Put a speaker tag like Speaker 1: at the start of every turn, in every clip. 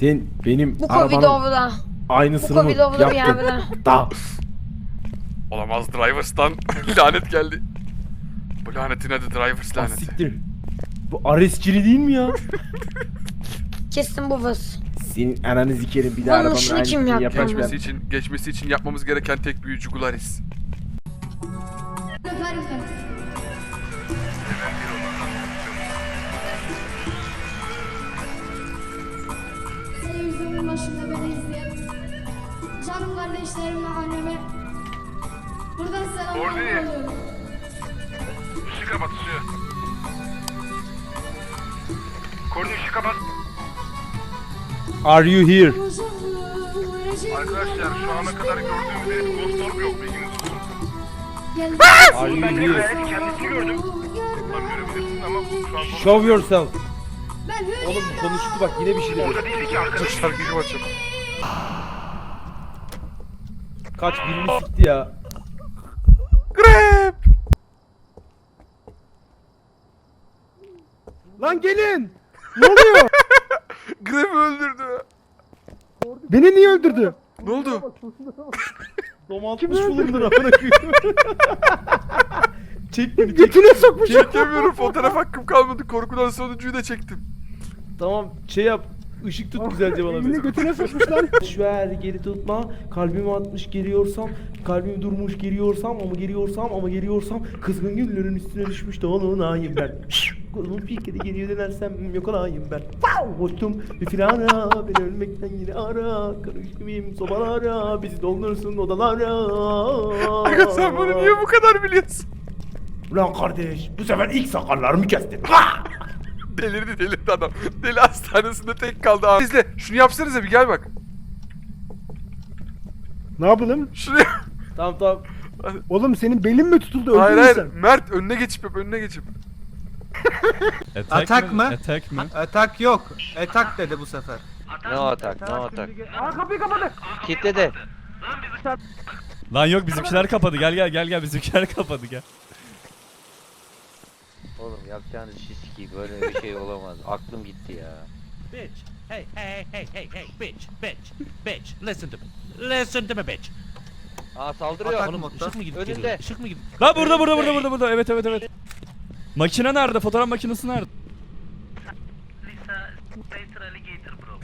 Speaker 1: Sen benim
Speaker 2: Bu
Speaker 1: arabanın
Speaker 2: Covidov'da. Bu
Speaker 1: aynısını mı
Speaker 2: Covidov'da bir
Speaker 1: yaptın?
Speaker 2: yerde.
Speaker 1: Da.
Speaker 3: Olamaz, Drivers'tan lanet geldi. Bu lanetin adı Drivers
Speaker 1: Ah,
Speaker 3: laneti.
Speaker 1: siktir. Bu Aresçili değil mi ya?
Speaker 2: Kesin bu vız.
Speaker 1: Senin ananı zikerim bir daha
Speaker 2: Bunun
Speaker 1: arabanın
Speaker 2: işini kim
Speaker 1: aynısını
Speaker 2: yaptı?
Speaker 1: yaparsan.
Speaker 3: Geçmesi için yapmamız gereken tek büyücü Gularis.
Speaker 4: Televizyonun başında beni izleyen canım kardeşlerime, anneme buradan selamlar
Speaker 3: Ordu.
Speaker 4: yolluyorum.
Speaker 3: Işığı kapat, ışığı. Korni ışığı kapat.
Speaker 1: Are you here?
Speaker 3: Arkadaşlar şu ana kadar gördüğümüz herif Ghost Orb yok, bilginiz olsun.
Speaker 1: Are you here?
Speaker 3: Kendisini gördüm. Tam görebilirsin ama şu an
Speaker 1: Show yourself.
Speaker 4: Ben Hürriyet
Speaker 1: Oğlum konuştu bak yine bir şey dedi.
Speaker 3: orada değildi ki arkadaşlar, gücüm açıp.
Speaker 1: Kaç birini sikti ya.
Speaker 3: Grab!
Speaker 1: Lan gelin. Ne oluyor?
Speaker 3: Grab'ı öldürdü.
Speaker 1: Beni niye öldürdü?
Speaker 3: Ne oldu?
Speaker 1: Domaltmış bulundur amına koyayım. Çek beni. Götüne sokmuş.
Speaker 3: Çekemiyorum, fotoğraf hakkım kalmadı. Korkudan sonuncuyu da çektim.
Speaker 1: Tamam şey yap. Işık tut güzelce bana. Elini götüne sokmuş lan. Ver geri tutma. Kalbimi atmış geliyorsam. Kalbim durmuş geliyorsam ama geliyorsam. Kızgın güllerin üstüne düşmüş dolunayım ben. Kolumun pikeri geriye dönersem yok olayım ben. Koştum bir firara. Beni ölmekten yine ara. Karışmayayım sobalara. Bizi doldursun odalara.
Speaker 3: Aga sen bunu niye bu kadar biliyorsun?
Speaker 1: Ulan kardeş bu sefer ilk sakallarımı kestin.
Speaker 3: Delirdi adam. Deli hastanesinde tek kaldı abi. İzle, şunu yapsanıza bir, gel bak.
Speaker 5: Ne yapalım?
Speaker 3: Şuraya.
Speaker 1: Tamam.
Speaker 5: Oğlum senin belin mi tutuldu?
Speaker 3: Hayır
Speaker 5: Öldün mü
Speaker 3: hayır.
Speaker 5: sen?
Speaker 3: Mert önüne geçip yap, önüne geçip.
Speaker 6: Atak mı?
Speaker 7: Atak mı?
Speaker 6: Atak yok. Atak dedi bu sefer.
Speaker 8: No atak, no atak.
Speaker 5: Aa kapıyı kapadı.
Speaker 8: Kitledi.
Speaker 7: Lan yok bizimkiler kapadı. Gel bizimkiler kapadı gel.
Speaker 8: Oğlum yapacağınız şey sikiyim, böyle bir şey olamaz. Aklım gitti ya.
Speaker 9: Bitch. Hey, bitch. Listen to me. Listen to me, bitch.
Speaker 8: Aa saldırıyor.
Speaker 6: Atak
Speaker 9: Oğlum
Speaker 6: modda.
Speaker 9: ışık mı gidip
Speaker 8: Önünde.
Speaker 9: geliyor? Işık mı gidip?
Speaker 7: Lan burada. Evet. Makine nerede? Fotoğraf makinesi nerede?
Speaker 9: Lisa, later alligator bro.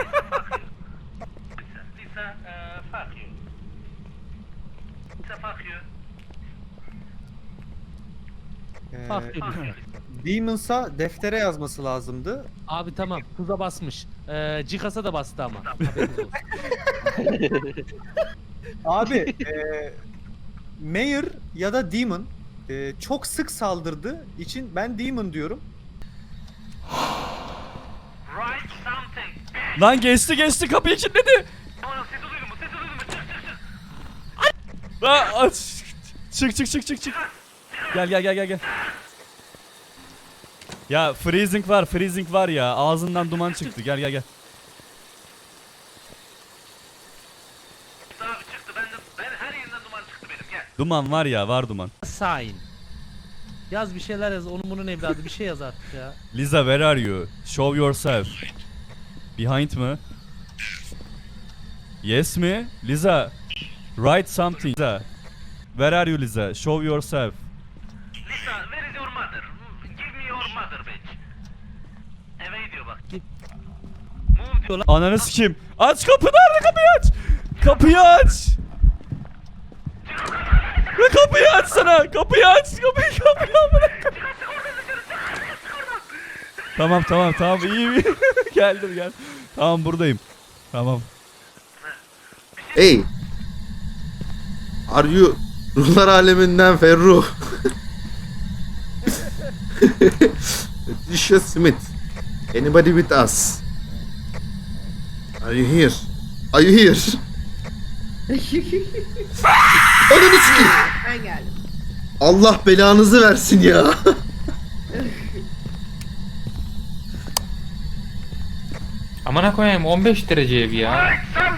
Speaker 9: Lisa, fuck you. Lisa, fuck you. Fuck you Lisa.
Speaker 6: Demons'a deftere yazması lazımdı.
Speaker 9: Abi tamam, tuza basmış. Cikas'a da bastı ama. Haberiniz olsun.
Speaker 6: Abi Mayor ya da Demon çok sık saldırdığı için ben Demon diyorum.
Speaker 9: Write something.
Speaker 7: Lan geçti kapıyı kilitledi.
Speaker 9: Oğlum sesi duydun mu?
Speaker 7: Lan aç. Çık. Gel. Ya freezing var ya. Ağzından duman çıktı. Gel.
Speaker 9: Abi çıktı, ben her yerinden duman çıktı benim, gel.
Speaker 7: Duman var ya, var duman.
Speaker 9: Sign. Yaz bir şeyler yaz, onun bunun evladı bir şey yaz artık ya.
Speaker 7: Lisa, where are you? Show yourself. Behind mı? Yes mi? Lisa, write something. Lisa, where are you Lisa? Show yourself.
Speaker 9: Lisa, where is your mother? Give me your mother, bitch. Eve gidiyor bak. Move diyor lan.
Speaker 7: Ananı sikeyim. Aç kapı, nerede, kapıyı aç. Kapıyı aç. Ve kapıyı açsana. Kapıyı aç. Kapıyı amına. Tamam iyi. Geldim. Tamam buradayım. Tamam.
Speaker 10: Hey. Are you ruhlar aleminden Ferruh? Patricia Smith. Anybody with us? Are you here? Ananı sikeyim.
Speaker 2: Ben geldim.
Speaker 10: Allah belanızı versin ya.
Speaker 11: Amına koyayım 15 derece ev ya.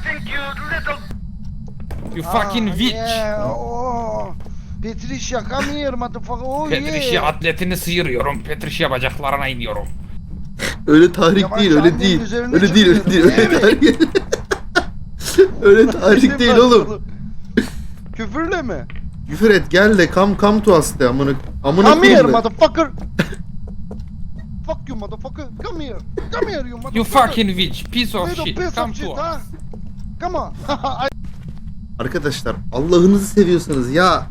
Speaker 11: You fucking witch.
Speaker 5: Patricia come here motherfucker. Oh
Speaker 11: Petrişya atletini sıyırıyorum. Petrişya bacaklarına iniyorum.
Speaker 10: Öyle tahrik
Speaker 5: Yavaş,
Speaker 10: değil, öyle
Speaker 5: annenin
Speaker 10: değil.
Speaker 5: üzerine
Speaker 10: Öyle değil, öyle değil.
Speaker 5: çıkıyorum.
Speaker 10: Öyle tahrik değil. Öyle tahrik değil oğlum.
Speaker 5: Küfürle mi?
Speaker 10: Küfür et, gel de come to us de amına
Speaker 5: Come here
Speaker 10: koyayım de.
Speaker 5: motherfucker. Fuck you motherfucker. Come here. Come here you motherfucker.
Speaker 11: You fucking witch, piece of
Speaker 5: Little
Speaker 11: shit.
Speaker 5: piece
Speaker 11: Come
Speaker 5: of
Speaker 11: to
Speaker 5: shit,
Speaker 11: us.
Speaker 5: ha? Come on.
Speaker 10: Arkadaşlar Allah'ınızı seviyorsanız ya.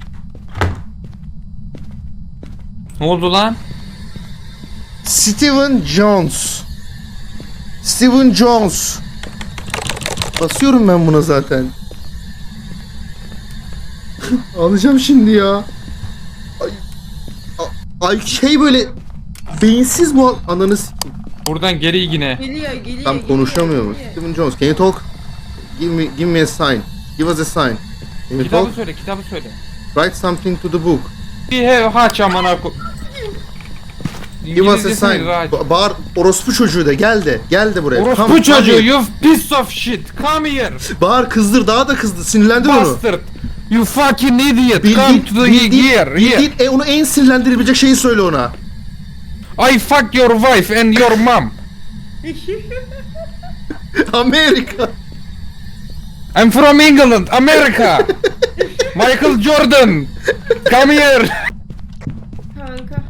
Speaker 11: Ne oldu lan?
Speaker 10: Steven Jones. Steven Jones. Basıyorum ben buna zaten. Alacağım şimdi ya. Ay şey böyle beyinsiz bu ananı sikeyim.
Speaker 11: Buradan geri yine.
Speaker 10: Tam konuşamıyor mu? Steven Jones, can you talk? Give me a sign. Give us a sign. Can you
Speaker 11: Kitabı
Speaker 10: talk?
Speaker 11: söyle, kitabı söyle.
Speaker 10: Write something to the book.
Speaker 11: We have haç amına ko...
Speaker 10: Give us a
Speaker 11: İngilizcesini
Speaker 10: sign.
Speaker 11: rahat.
Speaker 10: Bağır orospu çocuğu de gel de. Gel de buraya.
Speaker 11: Orospu
Speaker 10: Come
Speaker 11: çocuğu,
Speaker 10: here.
Speaker 11: you piece of shit. Come here.
Speaker 10: Bağır kızdır daha da kızdı. Sinirlendir onu.
Speaker 11: Bastard. You fucking idiot. Come to the here.
Speaker 10: bildiğin onu en sinirlendirebilecek şeyi söyle ona.
Speaker 11: I fuck your wife and your mom.
Speaker 10: Amerika.
Speaker 11: I'm from England, America. Michael Jordan. Come here.
Speaker 4: Kanka.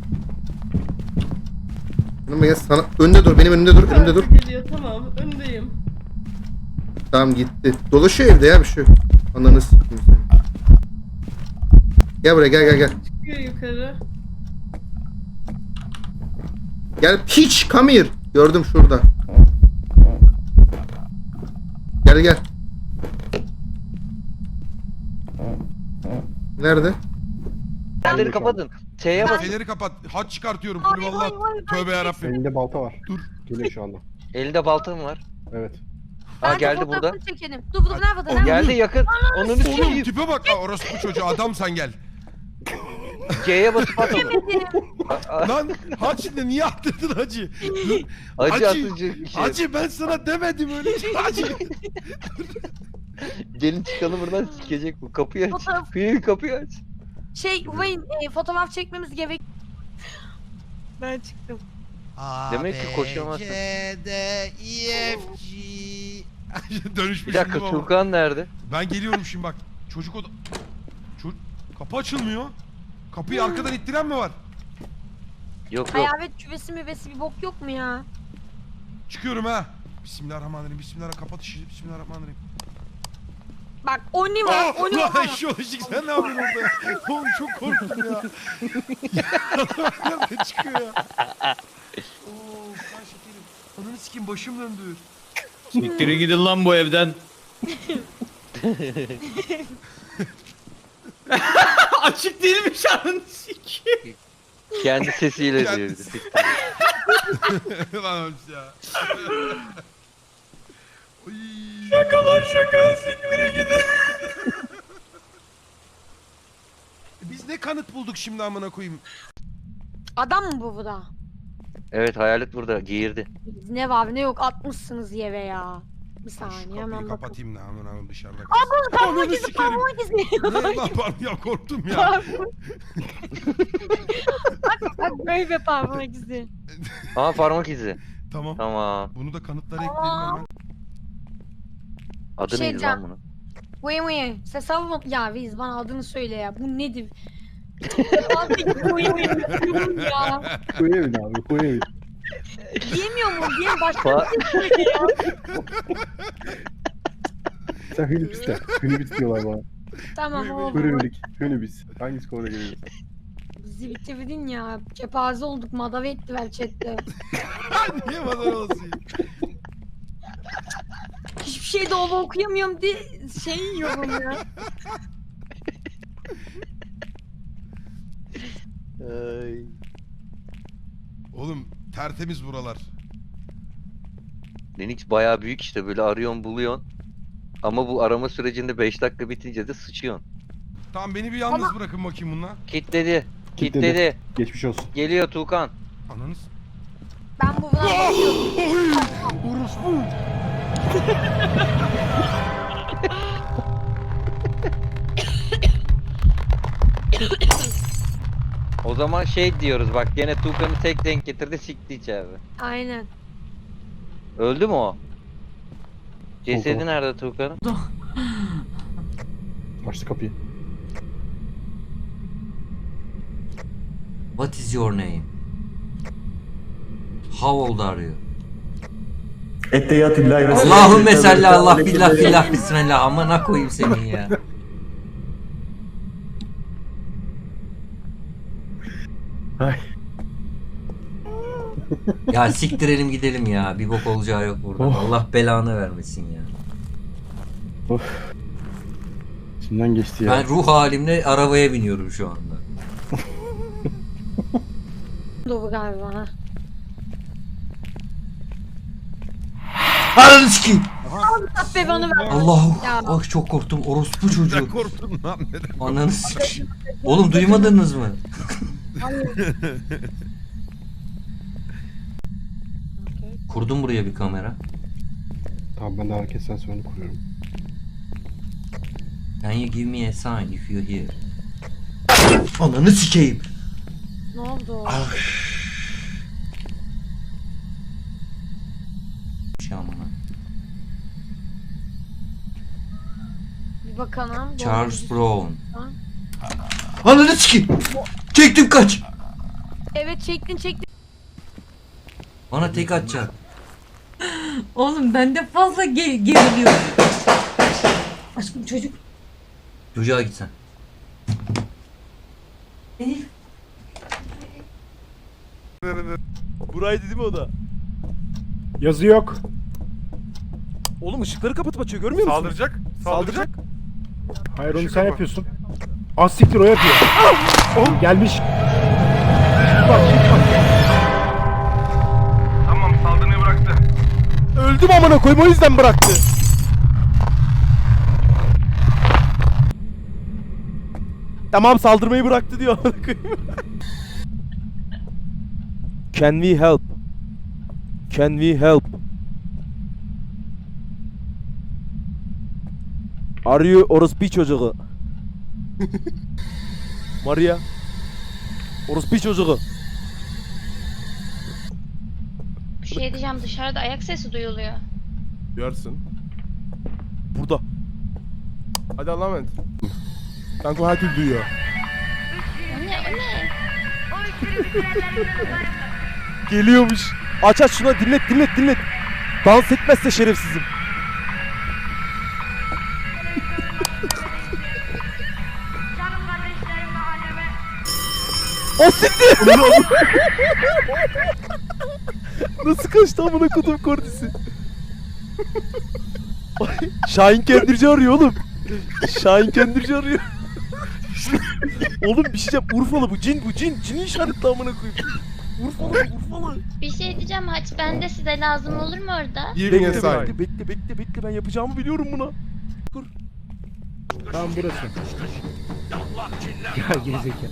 Speaker 10: Önüme gel sana. Önünde dur. Benim önümde dur. Önümde dur.
Speaker 4: Geliyor tamam öndeyim.
Speaker 10: Tamam gitti. Dolaşıyor evde ya bir şey yok. Ananı sikeyim seni. Gel buraya gel.
Speaker 4: Çıkıyor yukarı.
Speaker 10: Gel piç come here. Gördüm şurada. Gel. Nerede?
Speaker 8: Fenerleri kapatın. T'ye basın.
Speaker 3: Fener'i kapat. Haç çıkartıyorum. Kulüvallah. Tövbe yarabbim.
Speaker 5: Elinde balta var.
Speaker 3: Dur.
Speaker 5: Geliyor şu anda.
Speaker 8: Elinde baltam var.
Speaker 5: Evet.
Speaker 8: Aa
Speaker 2: Ben
Speaker 8: geldi
Speaker 2: fotoğrafını
Speaker 8: burada.
Speaker 2: Çekelim. Dur nerede?
Speaker 8: Geldi yakın. Onun
Speaker 3: Oğlum
Speaker 8: üstüne
Speaker 3: tipe bak. Aa, orospu çocuğu. Adam sen gel.
Speaker 8: C'ye basıp at onu.
Speaker 3: Lan haç ne? Niye attırdın hacı?
Speaker 8: Acı
Speaker 3: Hacı,
Speaker 8: atıcı bir şey.
Speaker 3: Hacı ben sana demedim öyle şey. Hacı.
Speaker 8: Gelin çıkalım buradan sikecek bu. Kapıyı aç.
Speaker 2: Fotoğraf-
Speaker 8: Kapıyı aç.
Speaker 2: Wayne fotoğraf çekmemiz gerek. Ben çıktım.
Speaker 8: Demek ki koşamazsın.
Speaker 3: Dönüşmüş
Speaker 8: Bir dakika
Speaker 3: şimdi baba.
Speaker 8: Tuğkan nerede?
Speaker 3: Ben geliyorum şimdi bak. Çocuk oda... Kapı açılmıyor. Kapıyı arkadan ittiren mi var?
Speaker 8: Yok.
Speaker 2: Hayalet küvesi müvesi bir bok yok mu ya?
Speaker 3: Çıkıyorum ha. Bismillahirrahmanirrahim. Kapat işi. Bismillahirrahmanirrahim.
Speaker 2: Bak Oni var. Oni
Speaker 3: Lan
Speaker 2: var.
Speaker 3: şu ışık sen ne yapıyorsun orada ya? Oğlum çok korktum ya. Nereden çıkıyor ya? Oo kan şekerim. Ananı sikeyim başım döndü.
Speaker 11: Siktirin gidin lan bu evden. Açık değilmiş anın sikeyim.
Speaker 8: Kendi sesiyle diyor.
Speaker 3: Kendisi. Lan ölmüş ya. Oy.
Speaker 11: Şaka siktirin gidin.
Speaker 3: Biz ne kanıt bulduk şimdi amına koyayım?
Speaker 2: Adam mı bu da?
Speaker 8: Evet hayalet burada. Geğirdi.
Speaker 2: Ne var ne yok atmışsınız yere ya. Bir
Speaker 3: Şu
Speaker 2: saniye
Speaker 3: kapıyı
Speaker 2: hemen bakın.
Speaker 3: kapatayım da amına koyayım dışarıda kalsın.
Speaker 2: Parmak
Speaker 3: Ananı
Speaker 2: izi
Speaker 3: sikerim.
Speaker 2: parmak izi.
Speaker 3: Ne lan pardon ya korktum ya.
Speaker 2: Bak böyle parmak izi.
Speaker 8: Aa parmak izi.
Speaker 3: Tamam.
Speaker 8: Tamam.
Speaker 3: Bunu da kanıtlara ekleyelim hemen.
Speaker 8: Adı
Speaker 2: Şey
Speaker 8: neydi lan bunun?
Speaker 2: Wayne ses alma. Ya Viz bana adını söyle ya. Bu nedir? Wayne ya.
Speaker 5: Koyu evin abi koyu evin.
Speaker 2: Diyemiyor mu? Diyem başka bir şey söyle ya.
Speaker 5: Sen Hünibis de. Hünibis diyorlar bana.
Speaker 2: Tamam oldu.
Speaker 5: Hünibis. Hünibis. Hangisi konuda geliyor?
Speaker 2: Bizi bitirdin ya. Kepaze olduk. Madave ettiler chatte.
Speaker 3: Niye madar olasın?
Speaker 2: Hiçbir şey dolu okuyamıyorum diye şey yiyorum ya.
Speaker 8: Ay.
Speaker 3: Oğlum tertemiz buralar.
Speaker 8: Linux bayağı büyük işte böyle arıyorsun buluyorsun. Ama bu arama sürecinde 5 dakika bitince de sıçıyorsun.
Speaker 3: Tamam beni bir yalnız bırakın bakayım bununla.
Speaker 8: Kitledi.
Speaker 5: Kitledi.
Speaker 8: Kitledi.
Speaker 5: Geçmiş olsun.
Speaker 8: Geliyor Tuğkan.
Speaker 3: Ananız.
Speaker 2: Ben bu bakıyorum.
Speaker 3: Orospu.
Speaker 8: zaman şey diyoruz bak gene Tuğkan'ı tek denk getirdi sikti içeride.
Speaker 2: Aynen.
Speaker 8: Öldü mü o? Cesedi nerede Tuğkan'ın?
Speaker 1: Açtı kapıyı.
Speaker 11: What is your name? How old are you? Allahümme salli Allah billah billah bismillah. Amına koyayım seni ya. Ya siktirelim gidelim ya. Bir bok olacağı yok burada. Allah belanı vermesin ya.
Speaker 1: İçinden geçti ya.
Speaker 11: Ben ruh halimle arabaya biniyorum şu anda.
Speaker 2: Doğru galiba ha.
Speaker 11: Ananı sikeyim.
Speaker 2: Allah be bana ver.
Speaker 11: Allah'ım.
Speaker 2: Ya.
Speaker 11: Ah çok korktum. Orospu çocuğu.
Speaker 3: Korktun lan neden?
Speaker 11: Ananı sikeyim. Oğlum duymadınız mı? Kurdum buraya bir kamera.
Speaker 1: Tamam ben de hareket sensörünü kuruyorum.
Speaker 11: Can you give me a sign if you're here? Ananı sikeyim.
Speaker 2: Ne oldu?
Speaker 11: Şamına.
Speaker 2: Bir bakalım.
Speaker 11: Charles Brown.
Speaker 2: Ha?
Speaker 11: Ananı sikeyim. Çektim kaç.
Speaker 2: Evet çektin.
Speaker 11: Bana tek atacak.
Speaker 12: Oğlum bende fazla geriliyor. Aşkım çocuk.
Speaker 11: Çocuğa git sen.
Speaker 12: Elif.
Speaker 1: Buraydı değil mi o da?
Speaker 6: Yazı yok.
Speaker 1: Oğlum ışıkları kapatıp açıyor görmüyor musun?
Speaker 3: Saldıracak. Saldıracak.
Speaker 6: Hayır onu
Speaker 3: Işık
Speaker 6: sen
Speaker 3: ama.
Speaker 6: yapıyorsun. Az siktir o yapıyor. Gelmiş.
Speaker 9: Tamam saldırmayı bıraktı.
Speaker 1: Öldüm amına koyayım o yüzden bıraktı. Tamam saldırmayı bıraktı diyor amına koyayım. Can we help? Can we help? Are you orospu çocuğu? Maria. Orospu çocuğu.
Speaker 2: Bir şey diyeceğim, dışarıda ayak sesi duyuluyor.
Speaker 1: Duyarsın. Burada. Hadi Allah'a emanet. Kanka her türlü duyuyor.
Speaker 2: O ne?
Speaker 1: Geliyormuş. Aç şuna dinlet. Dans etmezse şerefsizim. O siktir. Nasıl kaçtı amına kodum kordisi? Şahin Kendirci arıyor oğlum. Şahin Kendirci arıyor. Oğlum bir şey diyeceğim. Urfalı bu cin. Cini işaretli amına koyayım. Urfalı.
Speaker 2: Bir şey diyeceğim, haç bende, size lazım olur mu orada?
Speaker 1: Bekle ben yapacağımı biliyorum buna. Dur.
Speaker 6: Tamam burası. Ya gerizekalı.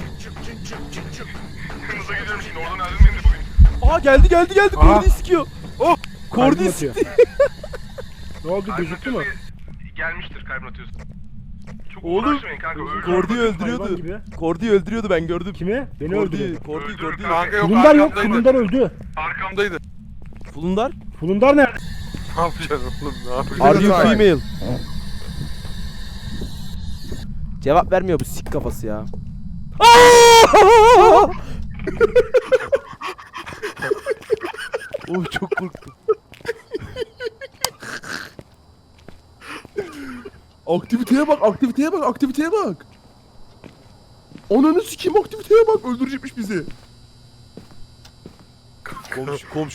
Speaker 3: Kırmızı gidiyorum şimdi oradan ayrılmayayım da bulayım.
Speaker 1: Aa geldi. Kordi'yi sikiyor. Oh. Kordi'yi
Speaker 6: atıyor.
Speaker 1: sikti.
Speaker 6: Ne oldu gözüktü mü?
Speaker 9: Gelmiştir kalbin atıyorsun. Çok
Speaker 1: Oğlum,
Speaker 9: uğraşmayın kanka.
Speaker 1: Kordi'yi
Speaker 6: Hayvan
Speaker 1: öldürüyordu.
Speaker 6: gibi.
Speaker 1: Kordi'yi öldürüyordu ben gördüm.
Speaker 6: Kimi? Beni öldürdü.
Speaker 1: Kordi.
Speaker 3: Kanka yok
Speaker 6: Fulundar yok.
Speaker 3: arkamdaydı.
Speaker 6: Fulundar öldü.
Speaker 3: Arkamdaydı.
Speaker 1: Fulundar.
Speaker 6: Fulundar nerede?
Speaker 3: Ne yapacaksın oğlum ne yapacaksın?
Speaker 1: Are you female? Cevap vermiyor bu sik kafası ya. Oh çok korktum. Aktiviteye bak. Ananı sikeyim aktiviteye bak. Öldürecekmiş bizi. Komşu